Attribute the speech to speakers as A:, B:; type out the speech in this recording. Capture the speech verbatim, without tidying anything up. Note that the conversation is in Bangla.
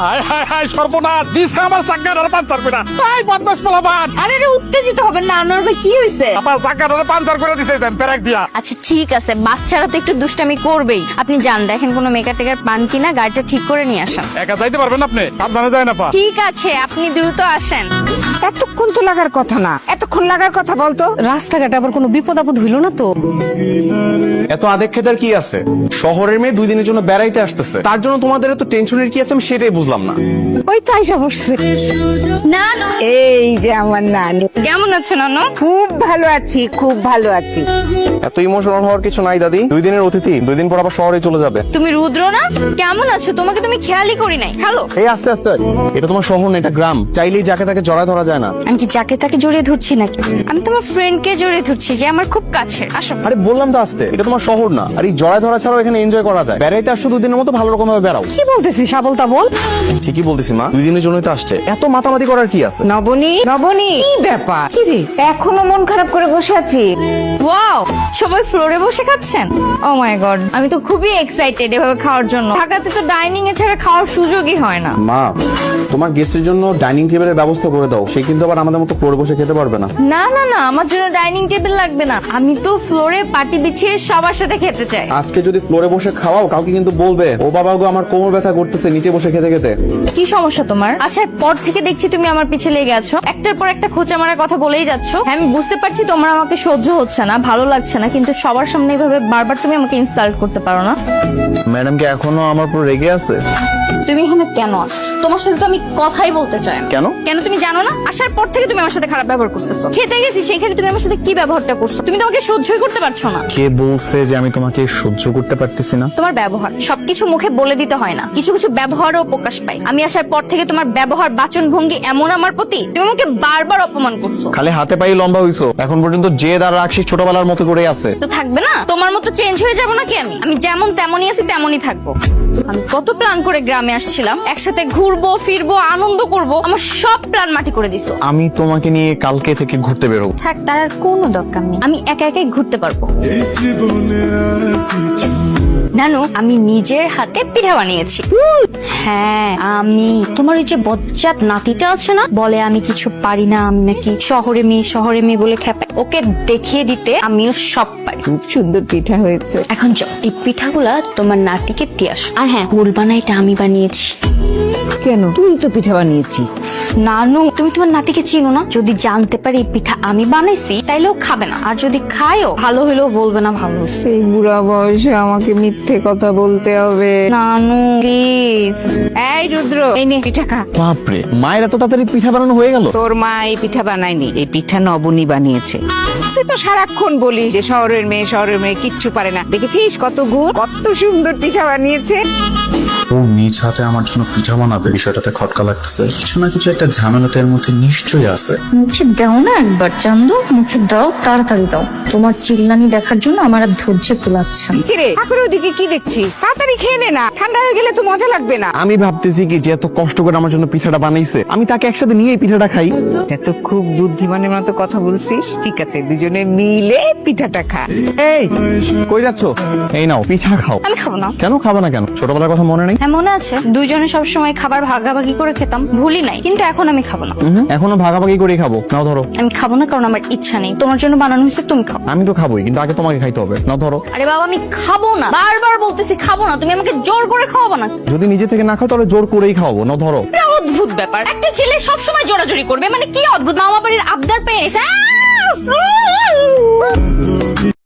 A: হায় হায় হায় সর্বনাশ দিছে আমার চাকাটার পাঞ্চার করে। এই বদমাশ পোলাপান,
B: আরে রে উত্তেজিত হবেন না আনোয়ার ভাই, কি হয়েছে?
A: আমার চাকাটার পাঞ্চার করে দিছে দেন পেরাক দিয়া।
B: আচ্ছা ঠিক আছে, বাচ্চারা তো একটু দুষ্টামি করবেই। আপনি যান, দেখেন কোনো মেকা টেকার পান কিনা, গাড়িটা ঠিক করে নিয়ে আসেন।
A: একা যাইতে পারবেন আপনি? সাবধানে যায় না পা।
B: ঠিক আছে, আপনি দ্রুত আসেন।
C: এতক্ষণ তো লাগার কথা না, এতক্ষণ লাগার কথা বলতো।
D: রাস্তাঘাটে আবার কোনো বিপদ আপদ হইল না তো?
E: এত আদেক খেতার কি আছে? শহরের মেয়ে দুই দিনের জন্য বেড়াইতে আসতেছে, তার জন্য তোমাদের এত টেনশনের কি আছে আমি সেটাই বুঝলাম না।
D: ওই তো আইসা বসছে।
B: নানু,
C: এই যে আমার নানু,
B: কেমন আছো নানু?
C: খুব ভালো আছি, খুব ভালো আছি।
E: এত ইমোশনাল হওয়ার কিছু নাই দাদি, দুই দিনের অতিথি দুই দিন পর আবার শহরে চলে যাবে।
B: তুমি রুদ্র না? কেমন আছো? তোমাকে তুমি খেয়ালই করি নাই। হ্যালো,
E: এই আস্তে আস্তে, এটা তোমার শহর না, এটা গ্রাম। চাইলেই যাকে তাকে জড়ায় ধরা যায় না।
B: আমি কি যাকে তাকে জড়িয়ে ধরছি নাকি? আমি তোমার ফ্রেন্ডকে জড়িয়ে ধরছি, যে আমার খুব কাছের। আসো।
E: আরে বললাম তো আস্তে, এটা তোমার শহর না। আর এই জড়ায় ধরা ছাড়াও এখানে এনজয় করা যায়। বেড়াইতে আসছো দুই দিনের মতো, ভালো রকম ভাবে বেড়াও।
D: কি বলতেছিস আবল তাবল?
E: ঠিকই বলতেছি মা, দুই দিনের জন্যই তো আসছে, এত মাতামাতি করার কি আছে?
C: নবনী, নবনী, কি ব্যাপার? কি রে, এখনো মন খারাপ করে বসে আছি?
B: ওয়াও, সবাই ফ্লোরে বসে খাচ্ছেন? ও মাই গড, আমি তো খুবই এক্সাইটেড এভাবে খাওয়ার জন্য। ঢাকাতে তো ডাইনিং এ ছাড়া খাওয়ার সুযোগই হয় না।
E: মা, তোমার গেস্টের জন্য ডাইনিং টেবিলের ব্যবস্থা করে দাও, সে কিন্তু আবার আমাদের মতো ফ্লোরে বসে খেতে পারবে না।
B: না না না, আমার জন্য ডাইনিং টেবিল লাগবে না। আমি তো ফ্লোরে পাটি বিছিয়ে সবার সাথে খেতে চাই।
E: আজকে যদি ফ্লোরে বসে খাওয়াও, কাউকে কিন্তু বলবে ও বাবা গো আমার কোমর ব্যথা করতেছে নিচে বসে খেতে খেতে।
B: কি সমস্যা তোমার? আসার পর থেকে দেখছি তুমি আমার পিছে লেগে আছো, একটার পর একটা খোঁচা মারার কথা বলেই যাচ্ছ। হ্যাঁ, আমি বুঝতে পারছি তোমার আমাকে সহ্য হচ্ছে না, ভালো লাগছে না, কিন্তু সবার সামনে এইভাবে বারবার তুমি আমাকে ইনসাল্ট করতে পারো না।
E: ম্যাডাম কি এখনো আমার উপর রেগে আছে?
B: তুমি এখানে কেন আসছো? তোমার সাথে তো আমি কথাই বলতে চাই না।
E: কেন?
B: কেন তুমি জানো না? আসার পর থেকে তুমি আমার সাথে খারাপ ব্যবহার করতেছো। খেতে গেছি সেখানে তুমি আমার সাথে কি ব্যবহারটা করছো? তুমি তোমাকে সহ্যই করতে পারছো না।
E: কে বলছে যে আমি তোমাকে সহ্য করতে পারতেছি না?
B: তোমার ব্যবহার সবকিছু মুখে বলে দিতে হয় না, কিছু কিছু ব্যবহারও প্রকাশ পায়। আমি আসার পর থেকে তোমার ব্যবহার, বাচন ভঙ্গি এমন আমার প্রতি, তুমি আমাকে বারবার অপমান করছো।
E: খালি হাতে পায়ে লম্বা হইছো, এখন পর্যন্ত যে দাঁড় রাখছি ছোটবেলার মতো করে আছে।
B: তো থাকবে না? তোমার মতো চেঞ্জ হয়ে যাবো নাকি আমি? আমি যেমন তেমনই আছি, তেমনই থাকবো। আমি কত প্ল্যান করে গ্রামে আসছিলাম, একসাথে ঘুরবো ফিরবো আনন্দ করব, আমার সব প্ল্যান মাটি করে দিছো।
E: আমি তোমাকে নিয়ে কালকে থেকে ঘুরতে বেরোবো।
B: থাক, তার আর কোনো দরকার নেই, আমি একা একাই ঘুরতে পারবো। নানু, আমি নিজের হাতে পিঠা বানিয়েছি। হ্যাঁ, আমি তোমার ওই যে বজ্জাত নাতিটা আছে না, বলে আমি কিছু পারি না, আমি নাকি শহরে মেয়ে শহরে মেয়ে বলে খেপে, ওকে দেখিয়ে দিতে আমিও সব পারি।
C: খুব সুন্দর পিঠা হয়েছে।
B: এখন চল, এই পিঠাগুলা তোমার নাতিকে দিয়ে আসো। আর হ্যাঁ, বলবা না এটা আমি বানিয়েছি।
C: কেন? তুই তো পিঠা বানিয়েছি।
B: নানু, তুমি তোমার নাতিকে চিনো না? যদি জানতে পারি এই পিঠা আমি বানাইছি, তাইলেও খাবে না, আর যদি খায়ও ভালো হইলেও বলবে না ভালো হয়েছে।
C: সেই বুড়া বয়সে আমাকে মিথ্যে কথা বলতে হবে?
B: নানু প্লিজ।
C: এই রুদ্র, এই নে পিঠা খা।
E: বাপরে, মায়ের এত তাড়াতাড়ি পিঠা বানানো হয়ে গেল?
C: তোর মা এই পিঠা বানায়নি, এই পিঠা নবনী বানিয়েছে। তুই তো সারাক্ষণ বলিস যে শহরের মেয়ে শহরের মেয়ে কিচ্ছু পারে না, দেখেছিস কত গুণ, কত সুন্দর পিঠা বানিয়েছে।
F: ও নিজ হাতে আমার জন্য পিঠা বানাবে, বিষয়টাতে খটকা লাগতেছে। কিছু না কিছু একটা ঝামেলাতে এর মধ্যে নিশ্চয়ই আছে।
B: মুখে দাও না একবার চান্দু, মুখে দাও, তাড়াতাড়ি দাও। তোমার চিল্লানি দেখার জন্য আমার আর ধৈর্য কুলাচ্ছে না।
C: কিরে ঠাকুরের ওদিকে কি দেখছিস? তাড়াতাড়ি খেয়ে নে না, ঠান্ডা হয়ে গেলে তো মজা লাগবে না।
E: আমি ভাবতেছি কি যে এত কষ্ট করে আমার জন্য পিঠাটা বানাইছে, আমি তাকে একসাথে নিয়ে এই পিঠাটা খাই।
C: এটা তো খুব বুদ্ধিমানের মতো কথা বলছিস। ঠিক আছে, দুজনে মিলে পিঠাটা খা।
E: এই কই যাচ্ছ? এই নাও পিঠা খাও।
B: আমি খাবো না।
E: কেন খাবে না কেন? ছোটবেলার কথা মনে নেই?
B: হ্যাঁ মনে আছে, দুইজনে সবসময় খাবার ভাগাভাগি করে খেতাম, ভুলি নাই, কিন্তু এখন আমি খাবো না।
E: হুম, এখনো ভাগাভাগি করে খাবো। নাও ধরো।
B: আমি খাবো না কারণ আমার ইচ্ছা নেই, তোমার জন্য বানানো হয়েছে, তুমি খাও।
E: আমি তো খাবোই, কিন্তু আগে তোমাকে খাইতে হবে। নাও ধরো।
B: আরে বাবা, আমি খাবো না, বারবার বলতেছি খাবো না, তুমি আমাকে জোর করে খাওয়াবো না।
E: যদি নিজে থেকে না খাও তাহলে জোর করেই খাওয়াবো। নাও ধরো।
B: এটা অদ্ভুত ব্যাপার, একটা ছেলে সবসময় জোরাজোরি করবে, মানে কি অদ্ভুত, মামা বাড়ির আবদার পেয়ে এসে আহ!